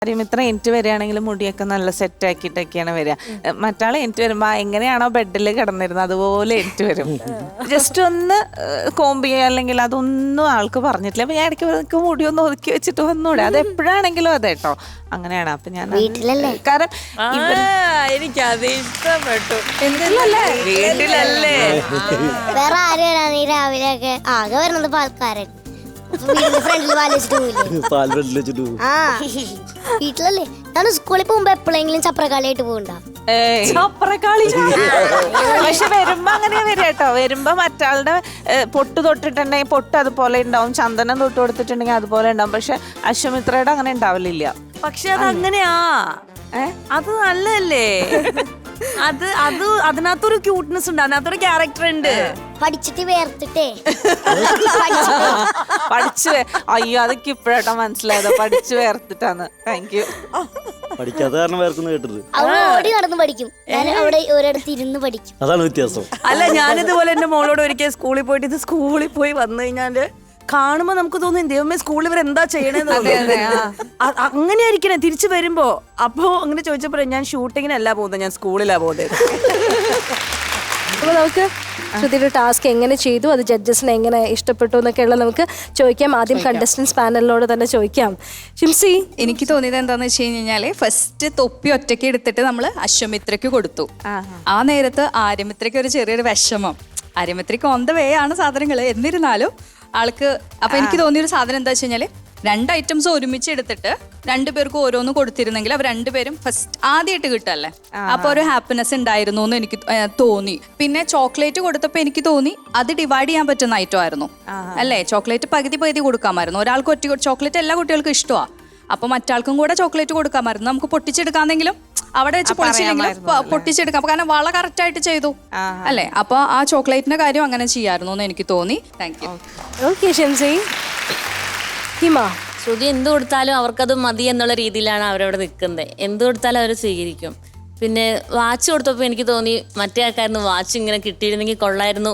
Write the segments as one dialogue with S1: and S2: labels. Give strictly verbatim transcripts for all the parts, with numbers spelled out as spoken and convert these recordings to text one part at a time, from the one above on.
S1: ഇത്ര എനിക്ക് വരികയാണെങ്കിലും മുടിയൊക്കെ നല്ല സെറ്റ് ആക്കിയിട്ടൊക്കെയാണ് വരിക. മറ്റാൾ എനിക്ക് വരുമ്പോ എങ്ങനെയാണോ ബെഡിൽ കിടന്നിരുന്നത് അതുപോലെ എനിക്ക് വരും. ജസ്റ്റ് ഒന്ന് കോമ്പ് ചെയ്യുക അല്ലെങ്കിൽ അതൊന്നും ആൾക്ക് പറഞ്ഞിട്ടില്ല. അപ്പൊ ഞാൻ ഇടയ്ക്ക് എനിക്ക് മുടി ഒന്ന് ഒതുക്കി വെച്ചിട്ട് വന്നൂടെ, അത് എപ്പോഴാണെങ്കിലും അതെ കേട്ടോ, അങ്ങനെയാണ്. അപ്പൊ ഞാൻ കാരണം
S2: എനിക്കത് ഇഷ്ടപ്പെട്ടു.
S1: വീട്ടിലല്ലേ
S3: വേറെ ആര് വരാൻ ഈ രാവിലെ ഒക്കെ ആകെ വരുന്നത് പാൽക്കാരൻ ഫ്രണ്ടില് പാലിച്ചിട്ട് ആ വീട്ടിലല്ലേ. ഞാൻ സ്കൂളിൽ പോകുമ്പോ എപ്പോഴെങ്കിലും ചപ്രക്കാളിയായിട്ട് പോകണ്ട.
S1: പക്ഷെ വരുമ്പോ അങ്ങനെ വരിക കേട്ടോ. വരുമ്പോ മറ്റാളുടെ പൊട്ട് തൊട്ടിട്ടുണ്ടെങ്കിൽ പൊട്ട് അതുപോലെ ഉണ്ടാവും, ചന്ദനം തൊട്ട് കൊടുത്തിട്ടുണ്ടെങ്കിൽ അതുപോലെ ഉണ്ടാവും. പക്ഷെ അശ്വമിത്രയുടെ അങ്ങനെ ഉണ്ടാവലില്ല.
S2: പക്ഷെ അത് അങ്ങനെയാ, അത് നല്ലല്ലേ. അത് അത് അതിനകത്തൊരു ക്യൂട്ട്നെസ് ഉണ്ട്, അതിനകത്തൊരു ക്യാരക്ടർ ഉണ്ട്.
S3: പഠിച്ചിട്ട് വേർത്തിട്ടേ
S1: പഠിച്ചു. അയ്യോ അതൊക്കെ ഇപ്പഴാട്ടോ മനസ്സിലായത്, പഠിച്ചു വേർത്തിട്ടാണ്. Thank you.
S4: പഠിക്കാത്ത കാരണം വേർക്കുന്നു കേട്ടത്.
S3: അവൾ ഓടി നടന്ന് പഠിക്കും, ഞാൻ അവിടെ ഒരിടത്ത് ഇരുന്ന് പഠിക്കും.
S4: അതാണ് വ്യത്യാസം.
S2: അല്ല, ഞാനിതുപോലെ എന്റെ മോളോട് ഒരിക്കൽ സ്കൂളിൽ പോയിട്ട് ഇത് സ്കൂളിൽ പോയി വന്നു കഴിഞ്ഞാല് കാണുമ്പോ നമുക്ക് തോന്നും ദൈവമേ സ്കൂളിൽ ഇവർ എന്താ ചെയ്യണേന്ന്. അങ്ങനെ ആയിരിക്കണേ തിരിച്ചു വരുമ്പോ. അപ്പൊ അങ്ങനെ ചോദിച്ചപ്പോ ഞാൻ ഷൂട്ടിങ്ങിനല്ല പോകുന്നത്, ഞാൻ സ്കൂളിലാ പോകുന്നത്.
S5: അപ്പോൾ നമുക്ക് ശ്രുതിയുടെ ടാസ്ക് എങ്ങനെ ചെയ്തു, അത് ജഡ്ജസിന് എങ്ങനെ ഇഷ്ടപ്പെട്ടു എന്നൊക്കെയുള്ള നമുക്ക് ചോദിക്കാം. ആദ്യം കണ്ടസ്റ്റൻസ് പാനലിനോട് തന്നെ ചോദിക്കാം. ഷിംസി,
S6: എനിക്ക് തോന്നിയത് എന്താന്ന് വെച്ച് കഴിഞ്ഞാല് ഫസ്റ്റ് തൊപ്പി ഒറ്റയ്ക്ക് എടുത്തിട്ട് നമ്മൾ അശ്വമിത്രയ്ക്ക് കൊടുത്തു. ആ നേരത്ത് ആര്യമിത്രയ്ക്ക് ഒരു ചെറിയൊരു വിഷമം. ആര്യമിത്രയ്ക്ക് ഓൺ ദ വേ ആണ് സാധനങ്ങൾ, എന്നിരുന്നാലും ആൾക്ക്. അപ്പൊ എനിക്ക് തോന്നിയൊരു സാധനം എന്താ വെച്ച് കഴിഞ്ഞാല് രണ്ട് ഐറ്റംസ് ഒരുമിച്ച് എടുത്തിട്ട് രണ്ടുപേർക്കും ഓരോന്ന് കൊടുത്തിരുന്നെങ്കിൽ അവർ രണ്ടുപേരും ഫസ്റ്റ് ആദ്യമായിട്ട് കിട്ടല്ലേ, അപ്പൊ ഒരു ഹാപ്പിനെസ് ഉണ്ടായിരുന്നു എന്ന് എനിക്ക് തോന്നി. പിന്നെ ചോക്ലേറ്റ് കൊടുത്തപ്പോ എനിക്ക് തോന്നി അത് ഡിവൈഡ് ചെയ്യാൻ പറ്റുന്ന ഐറ്റം ആയിരുന്നു അല്ലേ. ചോക്ലേറ്റ് പകുതി പകുതി കൊടുക്കാമായിരുന്നു. ഒരാൾക്ക് ഒറ്റ ചോക്ലേറ്റ് എല്ലാ കുട്ടികൾക്കും ഇഷ്ടമാണ്, അപ്പൊ മറ്റാൾക്കും കൂടെ ചോക്ലേറ്റ് കൊടുക്കാമായിരുന്നു. നമുക്ക് പൊട്ടിച്ചെടുക്കാന്നെങ്കിലും അവിടെ വെച്ച് പൊളിച്ചില്ലെങ്കിലും പൊട്ടിച്ചെടുക്കാം, കാരണം വള കറക്റ്റ് ആയിട്ട് ചെയ്തു അല്ലേ. അപ്പൊ ആ ചോക്ലേറ്റിന്റെ കാര്യം അങ്ങനെ ചെയ്യായിരുന്നു എന്ന് എനിക്ക് തോന്നി. Thank you.
S5: Okay Shimsi. Hima,
S7: Shruti എന്ത് കൊടുത്താലും അവർക്കത് മതി എന്നുള്ള രീതിയിലാണ് അവരവിടെ നിൽക്കുന്നത്. എന്ത് കൊടുത്താലും അവർ സ്വീകരിക്കും. പിന്നെ വാച്ച് കൊടുത്തപ്പോ എനിക്ക് തോന്നി മറ്റേ ആൾക്കായിരുന്നു വാച്ച് ഇങ്ങനെ കിട്ടിയിരുന്നെങ്കിൽ കൊള്ളായിരുന്നു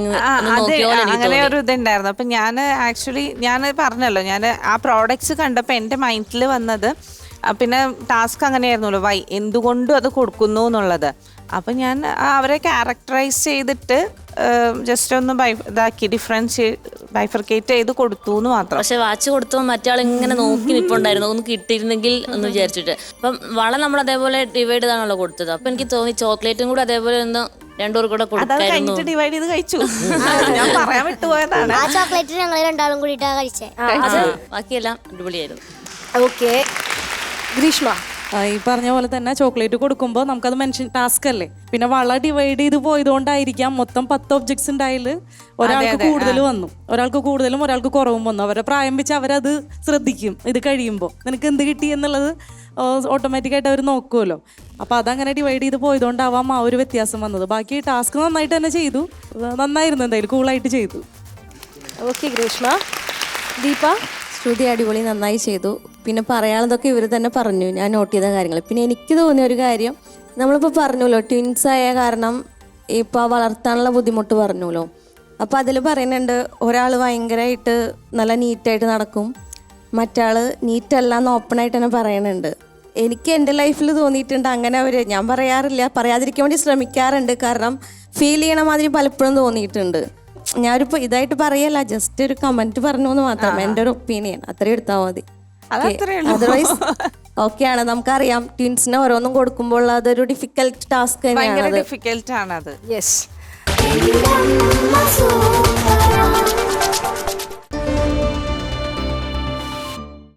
S1: അങ്ങനെ ഒരു ഇതുണ്ടായിരുന്നു. അപ്പൊ ഞാൻ ആക്ച്വലി ഞാൻ പറഞ്ഞല്ലോ, ഞാൻ ആ പ്രോഡക്ട്സ് കണ്ടപ്പോ എന്റെ മൈൻഡിൽ വന്നത് പിന്നെ ടാസ്ക് അങ്ങനെയായിരുന്നല്ലോ, വൈ എന്തുകൊണ്ടും അത് കൊടുക്കുന്നു എന്നുള്ളത്. അപ്പം ഞാൻ അവരെ ക്യാരക്ടറൈസ് ചെയ്തിട്ട് ജസ്റ്റ് ഒന്ന് ബൈ ഇതാക്കി ഡിഫറൻസ് ബൈഫർക്കേറ്റ് ചെയ്ത് കൊടുത്തു എന്ന് മാത്രം.
S7: പക്ഷെ വാച്ച് കൊടുത്തപ്പോൾ മറ്റാൾ ഇങ്ങനെ നോക്കി നിൽപ്പുണ്ടായിരുന്നു, ഒന്ന് കിട്ടിയിരുന്നെങ്കിൽ എന്ന് വിചാരിച്ചിട്ട്. അപ്പം വള നമ്മൾ അതേപോലെ ഡിവൈഡ് ചെയ്താണല്ലോ കൊടുത്തത്. അപ്പൊ എനിക്ക് തോന്നി ചോക്ലേറ്റും കൂടെ അതേപോലെ ഒന്ന് രണ്ടുപേർ കൂടെ കൊടുക്കായിരുന്നു.
S1: ഡിവൈഡ് ചെയ്ത് കഴിച്ചു. ഞാൻ പറയാൻ വിട്ടുപോയതാണ്.
S3: ആ ചോക്ലേറ്റ് ഞങ്ങൾ രണ്ടാളും കൂടിയിട്ടാ കഴിച്ചേ.
S7: ബാക്കിയെല്ലാം അടിപൊളിയായിരുന്നു.
S5: ഓക്കെ. ഗ്രീഷ്മ,
S8: ഈ പറഞ്ഞ പോലെ തന്നെ ചോക്ലേറ്റ് കൊടുക്കുമ്പോൾ നമുക്കത് മെൻഷൻ ടാസ്ക് അല്ലേ. പിന്നെ വള ഡിവൈഡ് ചെയ്ത് പോയതുകൊണ്ടായിരിക്കാം മൊത്തം പത്ത് ഒബ്ജക്ട്സ് ഉണ്ടായാൽ ഒരാൾക്ക് കൂടുതൽ വന്നു, ഒരാൾക്ക് കൂടുതലും ഒരാൾക്ക് കുറവും വന്നു. അവരെ പ്രായം വെച്ച് അവരത് ശ്രദ്ധിക്കും. ഇത് കഴിയുമ്പോൾ നിനക്ക് എന്ത് കിട്ടി എന്നുള്ളത് ഓട്ടോമാറ്റിക്കായിട്ട് അവർ നോക്കുമല്ലോ. അപ്പോൾ അതങ്ങനെ ഡിവൈഡ് ചെയ്ത് പോയതുകൊണ്ടാവാം ആ ഒരു വ്യത്യാസം വന്നത്. ബാക്കി ടാസ്ക് നന്നായിട്ട് തന്നെ ചെയ്തു, നന്നായിരുന്നു, എന്തായാലും കൂളായിട്ട് ചെയ്തു.
S5: ഓക്കെ ഗ്രീഷ്മ. ദീപ,
S9: ശ്രുതി അടിപൊളി നന്നായി ചെയ്തു. പിന്നെ പറയാനുള്ളതൊക്കെ ഇവർ തന്നെ പറഞ്ഞു, ഞാൻ നോട്ട് ചെയ്ത കാര്യങ്ങൾ. പിന്നെ എനിക്ക് തോന്നിയ ഒരു കാര്യം, നമ്മളിപ്പോൾ പറഞ്ഞല്ലോ ട്വിൻസ് ആയ കാരണം ഇപ്പോൾ വളർത്താനുള്ള ബുദ്ധിമുട്ട് പറഞ്ഞല്ലോ. അപ്പോൾ അതിൽ പറയുന്നുണ്ട് ഒരാൾ ഭയങ്കരമായിട്ട് നല്ല നീറ്റായിട്ട് നടക്കും, മറ്റാൾ നീറ്റല്ല എന്ന് ഓപ്പണായിട്ട് തന്നെ പറയുന്നുണ്ട്. എനിക്ക് എൻ്റെ ലൈഫിൽ തോന്നിയിട്ടുണ്ട് അങ്ങനെ. അവർ ഞാൻ പറയാറില്ല, പറയാതിരിക്കാൻ വേണ്ടി ശ്രമിക്കാറുണ്ട്, കാരണം ഫീൽ ചെയ്യണ മാതിരി പലപ്പോഴും തോന്നിയിട്ടുണ്ട്. ഞാനൊരിപ്പോൾ ഇതായിട്ട് പറയല്ല, ജസ്റ്റ് ഒരു കമന്റ് പറഞ്ഞു എന്ന് മാത്രം, എൻ്റെ ഒരു ഒപ്പീനിയൻ. അത്രയും എടുത്താൽ മതി. അതർവൈസ് ഓക്കെയാണ്. നമുക്കറിയാം ട്വിൻസിന് ഓരോന്നും കൊടുക്കുമ്പോൾ അതൊരു ഡിഫിക്കൽട്ട് ടാസ്ക് തന്നെയാണ്.
S1: ഡിഫിക്കൽട്ട് ആണ് അത്.
S5: യെസ്.